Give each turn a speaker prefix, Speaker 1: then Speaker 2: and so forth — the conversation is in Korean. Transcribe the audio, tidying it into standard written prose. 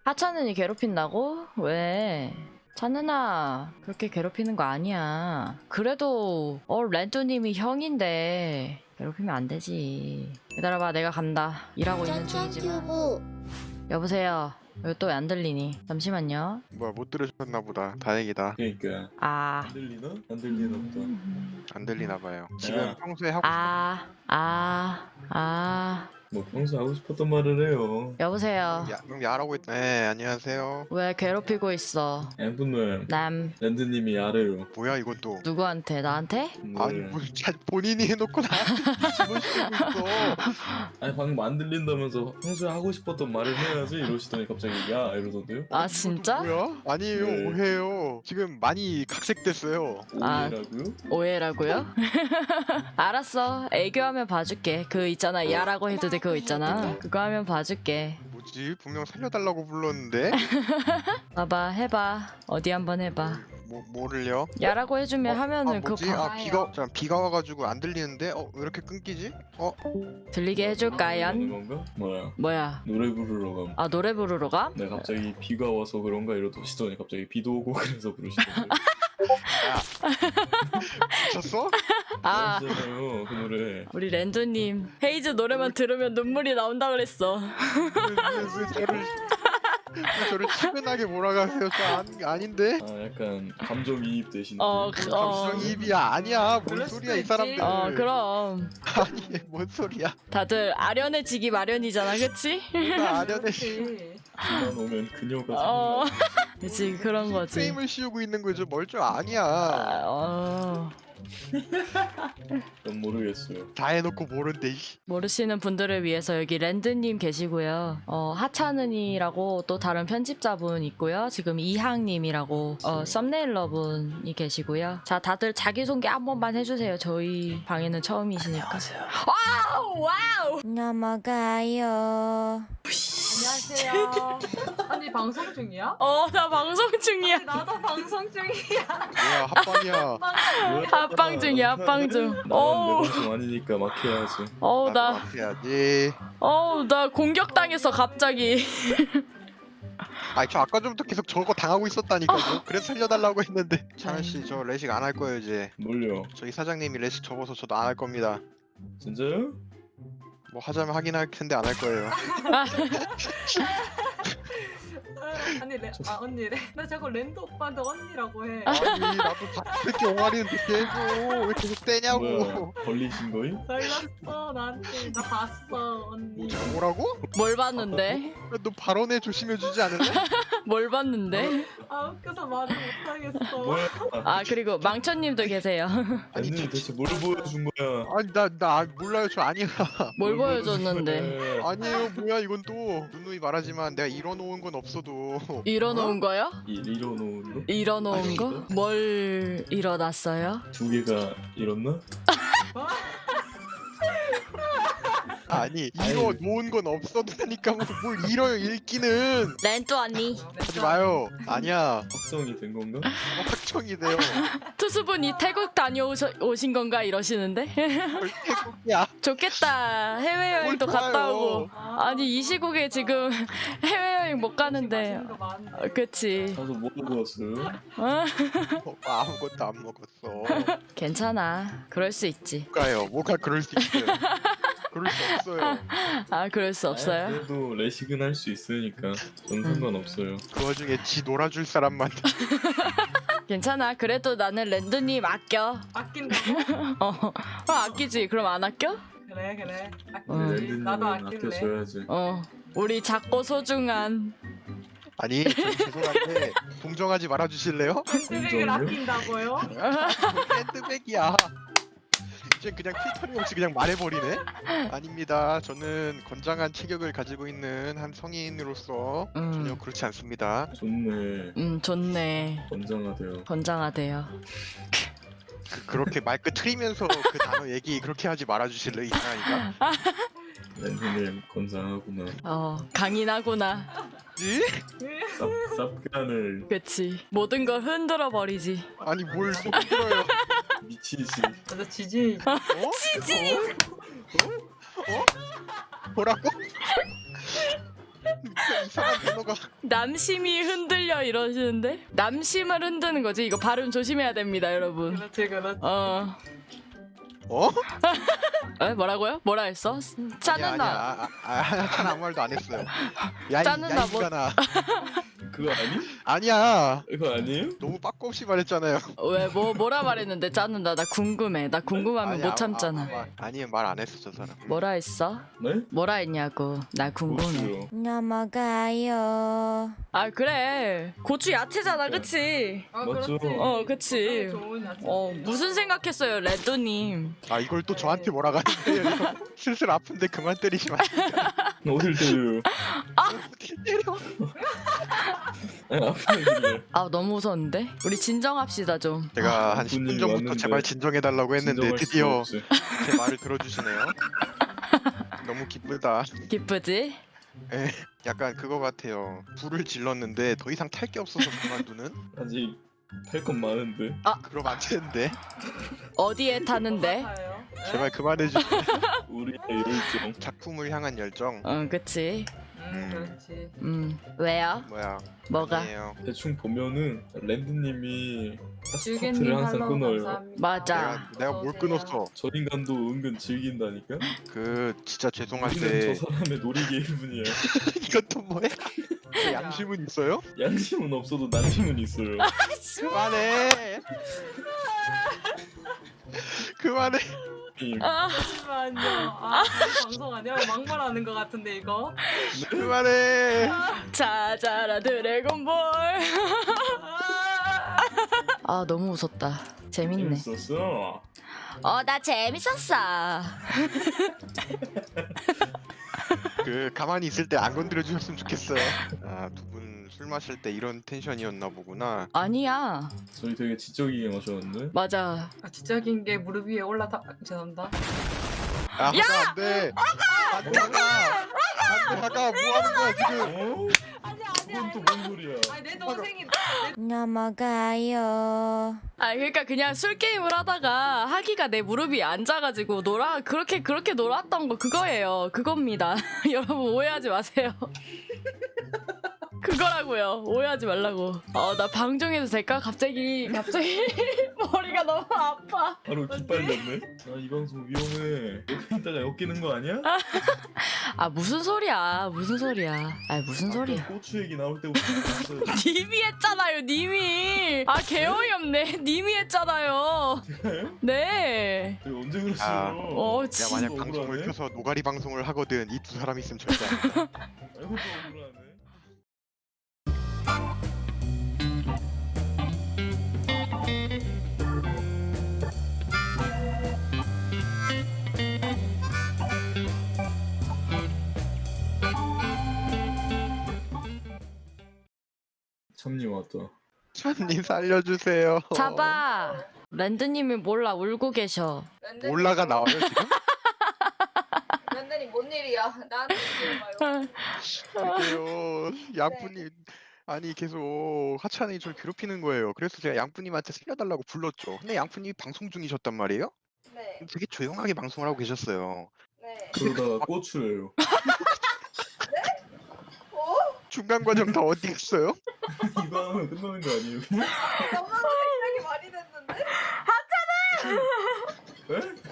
Speaker 1: 하찮은이 괴롭힌다고? 왜? 찬은아, 그렇게 괴롭히는 거 아니야. 그래도 렌토님이 형인데 괴롭히면 안 되지. 기다려봐, 내가 간다. 일하고 있는 중이지만. 여보세요. 왜 또 왜 안 들리니? 잠시만요.
Speaker 2: 뭐야, 못 들으셨나 보다. 다행이다.
Speaker 3: 그러니까
Speaker 1: 아,
Speaker 3: 안 들리나? 안 들리나 보다.
Speaker 2: 안 들리나 봐요. 지금
Speaker 3: 야.
Speaker 2: 평소에 하고
Speaker 3: 뭐 평소 하고 싶었던 말을 해요.
Speaker 1: 여보세요.
Speaker 2: 그럼 야라고 했. 네, 안녕하세요.
Speaker 1: 왜 괴롭히고 있어?
Speaker 3: 엠분노야
Speaker 1: 남,
Speaker 3: 랜드님이 알아요.
Speaker 2: 뭐야 이건 또.
Speaker 1: 누구한테? 나한테?
Speaker 2: 아니 뭐 본인이 해놓고 나한테 집어시키고 있어.
Speaker 3: 아니 방금 안 들린다면서 평소에 하고 싶었던 말을 해야지 이러시더니 갑자기 야 이러던데요?
Speaker 1: 아, 진짜?
Speaker 2: 뭐야? 아니에요,
Speaker 3: 네.
Speaker 2: 오해요. 지금 많이 각색됐어요.
Speaker 1: 아.
Speaker 3: 오해라고요?
Speaker 1: 오해라고요? 알았어. 애교하면 봐줄게. 그 있잖아. 야라고 해도 돼. 그거 있잖아. 그거 하면 봐줄게.
Speaker 2: 뭐지? 분명 살려달라고 불렀는데.
Speaker 1: 봐봐. 해봐. 어디 한번 해봐.
Speaker 2: 뭐를요?
Speaker 1: 야라고 해주면 하면은 그거
Speaker 2: 뭐지?
Speaker 1: 봐.
Speaker 2: 비가 와가지고 안 들리는데? 왜 이렇게 끊기지?
Speaker 1: 들리게 해줄까요?
Speaker 3: 하는 건가? 뭐야?
Speaker 1: 뭐야?
Speaker 3: 노래 부르러 감.
Speaker 1: 아, 노래 부르러 가?
Speaker 3: 네 갑자기 비가 와서 그런가 이러시더니 갑자기 비도 오고 그래서 부르시던데.
Speaker 2: 미쳤어?
Speaker 1: 아,
Speaker 3: 아시잖아요 그 노래.
Speaker 1: 우리 랜드님 헤이즈 노래만 들으면 눈물이 나온다 그랬어.
Speaker 2: 왜 저를 치근하게 몰아가세요? 아닌데?
Speaker 3: 아 약간 감정이입 되시는.
Speaker 2: 감정이입이야. 아니야. 뭔
Speaker 4: 그럴
Speaker 2: 소리야
Speaker 4: 수도
Speaker 2: 이 사람들.
Speaker 1: 그럼
Speaker 2: 아니 뭔 소리야.
Speaker 1: 다들 아련해지기 마련이잖아, 그치?
Speaker 2: 나 아련해
Speaker 3: 비만 오면 그녀가
Speaker 1: 어.
Speaker 3: 생각나.
Speaker 1: 그치, 그런 거지.
Speaker 2: 프레임을 씌우고 있는 거죠. 뭘 줄 아니야.
Speaker 3: 전 모르겠어요.
Speaker 2: 다 해놓고 모른대.
Speaker 1: 모르시는 분들을 위해서 여기 랜드님 계시고요. 하찮은이라고 또 다른 편집자분 있고요. 지금 이항님이라고 썸네일러분이 계시고요. 자, 다들 자기소개 한 번만 해주세요. 저희 방에는 처음이시니까.
Speaker 3: 안녕하세요.
Speaker 1: 와우!
Speaker 5: 넘어가요.
Speaker 4: 안녕하세요. 언니 방송 중이야?
Speaker 1: 나 방송 중이야.
Speaker 4: 나도 방송 중이야.
Speaker 2: 뭐야 합방이야.
Speaker 1: 합방 중이야, 합방 중. 어우.
Speaker 3: 내 방송 아니니까 막 해야지.
Speaker 2: 나도 해야지.
Speaker 1: 나 공격당했어, 갑자기.
Speaker 2: 아니 저 아까 전부터 계속 저거 당하고 있었다니까요. 그래서 살려달라고 했는데. 찬원 씨저 레식 안 할 거예요 이제.
Speaker 3: 뭘요?
Speaker 2: 저희 사장님이 레식 접어서 저도 안 할 겁니다.
Speaker 3: 진짜요?
Speaker 2: 뭐 하자면 하긴 할 텐데 안 할 거예요.
Speaker 4: 언니 나 자꾸 랜드 오빠한테 언니라고 해.
Speaker 2: 아니 나도 이렇게 옹알이는 늦게 해줘. 왜 계속 떼냐고.
Speaker 3: 뭐야? 걸리신 거임?
Speaker 4: 걸렸어 나한테. 나 봤어 언니.
Speaker 2: 뭐라고?
Speaker 1: 뭘 봤는데?
Speaker 2: 너 발언에 조심해주지 않을래?
Speaker 1: 뭘 봤는데?
Speaker 4: 아 웃겨서 말을 못하겠어.
Speaker 3: 뭐야?
Speaker 1: 아, 그리고 망천님도 계세요.
Speaker 2: 아니
Speaker 3: 랜드님 대체 뭘 보여준 거야?
Speaker 2: 아니 나 몰라요. 저 아니야.
Speaker 1: 뭘 보여줬는데?
Speaker 2: 아니에요. 뭐야 이건 또. 누누이 말하지만 내가 이뤄놓은 건 없어도.
Speaker 1: 일어놓은 거요?
Speaker 3: 이뤄놓은 거?
Speaker 1: 일어놓은 거? 뭘 일어났어요?
Speaker 3: 두 개가 이뤘나?
Speaker 2: 아니 이뤄놓은 건 없어도니까 뭘 이뤄요 읽기는.
Speaker 1: 렌또 언니.
Speaker 2: 하지 마요. 아니야.
Speaker 3: 확정이 된 건가?
Speaker 2: 확정이 돼요.
Speaker 1: 투수분이 태국 다녀오신 건가 이러시는데?
Speaker 2: 뭘 태국이야.
Speaker 1: 좋겠다. 해외여행도
Speaker 2: 뭘
Speaker 1: 갔다
Speaker 2: 좋아요.
Speaker 1: 오고. 아니 이 시국에 지금 해외여행 못 가는데.
Speaker 4: 맛있는 거 많은데.
Speaker 1: 그치.
Speaker 3: 가서 뭐 먹었어요?
Speaker 2: 아무것도 안 먹었어.
Speaker 1: 괜찮아. 그럴 수 있지.
Speaker 2: 뭐가 그럴 수 있어요. 그럴 수 없어요.
Speaker 1: 아, 그럴 수 없어요?
Speaker 3: 그래도 레식은 할 수 있으니까 전 상관없어요.
Speaker 2: 그 와중에 지 놀아줄 사람만.
Speaker 1: 괜찮아. 그래도 나는 랜드님 아껴.
Speaker 4: 아낀다고?
Speaker 1: 아끼지. 그럼 안 아껴?
Speaker 4: 그래.
Speaker 1: 어.
Speaker 4: 아끼지.
Speaker 3: 랜드님은
Speaker 4: 나도 아낄래.
Speaker 3: 아껴줘야지.
Speaker 1: 우리 작고 소중한.
Speaker 2: 아니 저 죄송한데 동정하지 말아주실래요?
Speaker 4: 샌드백을
Speaker 3: 인정이요?
Speaker 4: 아낀다고요?
Speaker 2: 샌드백이야. 이제 그냥 필터링 없이 그냥 말해버리네. 아닙니다. 저는 건장한 체격을 가지고 있는 한 성인으로서 전혀 그렇지 않습니다.
Speaker 3: 좋네.
Speaker 1: 좋네.
Speaker 3: 건장하대요.
Speaker 1: 건장하대요.
Speaker 2: 그렇게 말끝 트리면서 그 단어 얘기 그렇게 하지 말아주실래요? 이상하니까.
Speaker 3: 랜드님 건장하구나.
Speaker 1: 강인하구나.
Speaker 2: 지?
Speaker 3: 쌉간을
Speaker 1: 그치. 모든 걸 흔들어 버리지.
Speaker 2: 아니 뭘 속들어요.
Speaker 3: 미치지.
Speaker 4: 나 지지.
Speaker 2: 지지. 뭐라고? 이상한 단어가.
Speaker 1: 남심이 흔들려 이러시는데? 남심을 흔드는 거지. 이거 발음 조심해야 됩니다, 여러분.
Speaker 4: 그렇지 그렇지.
Speaker 1: 어.
Speaker 2: 어?
Speaker 1: 에? 뭐라고요? 뭐라 했어? 짜는다.
Speaker 2: 난 아무 말도 안 했어요. 야,
Speaker 1: 짜는
Speaker 2: 야,
Speaker 1: 나 뭐-
Speaker 2: 인간아.
Speaker 3: 그거 아니?
Speaker 2: 아니야.
Speaker 3: 그거 아니에요?
Speaker 2: 너무 빠꾸 없이 말했잖아요.
Speaker 1: 왜 뭐라 말했는데 짜는다. 나 궁금해. 나 궁금하면
Speaker 2: 아니야,
Speaker 1: 못 참잖아.
Speaker 2: 아니 말 안 했어 저 사람.
Speaker 1: 뭐라 했어?
Speaker 3: 네?
Speaker 1: 뭐라 했냐고. 나 궁금해.
Speaker 3: 고추요.
Speaker 5: 넘어가요.
Speaker 1: 아 그래. 고추 야채잖아, 그치?
Speaker 4: 아,
Speaker 3: 맞죠?
Speaker 4: 그렇지.
Speaker 1: 어, 그치.
Speaker 4: 좋은 야채.
Speaker 1: 무슨 생각했어요, 레드님?
Speaker 2: 아 이걸 또 저한테 뭐라고 하는데요. 슬슬 아픈데 그만 때리지 마.
Speaker 3: 어딜 때려요?
Speaker 2: 어떻게 때려?
Speaker 3: 아니 아프네.
Speaker 1: 아 너무 무서운데? 우리 진정합시다 좀.
Speaker 2: 제가 한
Speaker 3: 분이
Speaker 2: 10분 전부터
Speaker 3: 왔는데
Speaker 2: 제발 진정해달라고 했는데
Speaker 3: 진정할
Speaker 2: 드디어
Speaker 3: 수가 없지.
Speaker 2: 제 말을 들어주시네요. 너무 기쁘다.
Speaker 1: 기쁘지?
Speaker 2: 에, 약간 그거 같아요. 불을 질렀는데 더 이상 탈 게 없어서 그만두는?
Speaker 3: 아직 탈 건 많은데.
Speaker 2: 그럼 안 되는데.
Speaker 1: 어디에 타는데?
Speaker 4: 같아요. 네?
Speaker 2: 제발 그만해주세요.
Speaker 3: 우리의 열정.
Speaker 2: 작품을 향한 열정.
Speaker 1: 그치.
Speaker 4: 그렇지.
Speaker 1: 왜요?
Speaker 2: 뭐야?
Speaker 1: 뭐가?
Speaker 2: 아니에요.
Speaker 3: 대충 보면은 랜드님이
Speaker 4: 즐개님
Speaker 3: 스타트를 항상
Speaker 4: 팔로우
Speaker 3: 끊어요.
Speaker 4: 감사합니다.
Speaker 1: 맞아.
Speaker 2: 내가 뭘
Speaker 4: 어서오세요.
Speaker 2: 끊었어?
Speaker 3: 저 인간도 은근 즐긴다니까.
Speaker 2: 그 진짜 죄송할
Speaker 3: 우리는
Speaker 2: 때
Speaker 3: 저 사람의 놀이개일 뿐이야.
Speaker 2: 이것도 뭐야? 그 양심은 있어요?
Speaker 3: 양심은 없어도 난심은 있어요.
Speaker 2: 그만해. 그만해.
Speaker 4: 잠시만요. 아, 방송 아니야? 막말하는 것 같은데 이거.
Speaker 2: 그만해.
Speaker 1: 찾아라 드래곤볼.
Speaker 4: 아,
Speaker 1: 아 너무 웃었다. 재밌네.
Speaker 3: 재밌었어.
Speaker 1: 나 재밌었어.
Speaker 2: 그 가만히 있을 때 안 건드려 주셨으면 좋겠어요. 아, 두 분 술 마실 때 이런 텐션이었나 보구나.
Speaker 1: 아니야.
Speaker 3: 저희 되게 지적이게 마셨는데.
Speaker 1: 맞아.
Speaker 4: 아, 진짜 긴 게 무릎 위에 올라타. 죄송합니다.
Speaker 2: 아, 하가 안 돼. 안 돼, 하가. 안 돼, 하가. 뭐 하는 거야 지금?
Speaker 3: 어?
Speaker 4: 아니야
Speaker 3: 그건 또 뭔 소리야?
Speaker 4: 아니 내 동생이
Speaker 5: 넘어가요.
Speaker 1: 아 그러니까 그냥 술 게임을 하다가 하기가 내 무릎 위에 앉아가지고 그렇게 놀았던 거 그거예요. 그겁니다. 여러분 오해하지 마세요. 그거라고요. 오해하지 말라고. 나 방종해도 될까? 갑자기 머리가 너무 아파.
Speaker 3: 바로 기빨렸네. 아 이 방송 위험해. 옆에 있다가 엮이는 거 아니야?
Speaker 1: 아 무슨 소리야? 무슨 소리야? 아 무슨 소리야?
Speaker 3: 아까 고추 얘기 나올 때부터 봤어요.
Speaker 1: 님이 했잖아요. 님이. 아 개어이 없네. 님이 했잖아요. 네.
Speaker 3: 제가 언제
Speaker 2: 아.
Speaker 3: 그랬어요?
Speaker 2: 내가
Speaker 1: 진-
Speaker 2: 만약
Speaker 3: 억울하네.
Speaker 2: 방송을 켜서 노가리 방송을 하거든 이 두 사람 있으면 절대 안 돼.
Speaker 3: 아이고 또 억울하네. 참님 왔다.
Speaker 2: 찬님 살려주세요.
Speaker 1: 잡아. 랜드님이 몰라 울고 계셔.
Speaker 2: 올라가 나와요 지금?
Speaker 6: 랜드님 뭔 일이야? 나한테 물어봐요.
Speaker 2: 그게요. 양푸님 아니 계속 하찬이 저를 괴롭히는 거예요. 그래서 제가 양푸님한테 살려달라고 불렀죠. 근데 양푸님이 방송 중이셨단 말이에요.
Speaker 6: 네,
Speaker 2: 되게 조용하게 방송을 하고 계셨어요.
Speaker 6: 네.
Speaker 3: 그러다가 고추예요.
Speaker 2: 중간 과정 다 어디 갔어요?
Speaker 3: 이거 하면 끝나는 거 아니에요?
Speaker 6: 너무 생각이 많이 됐는데?
Speaker 3: 네?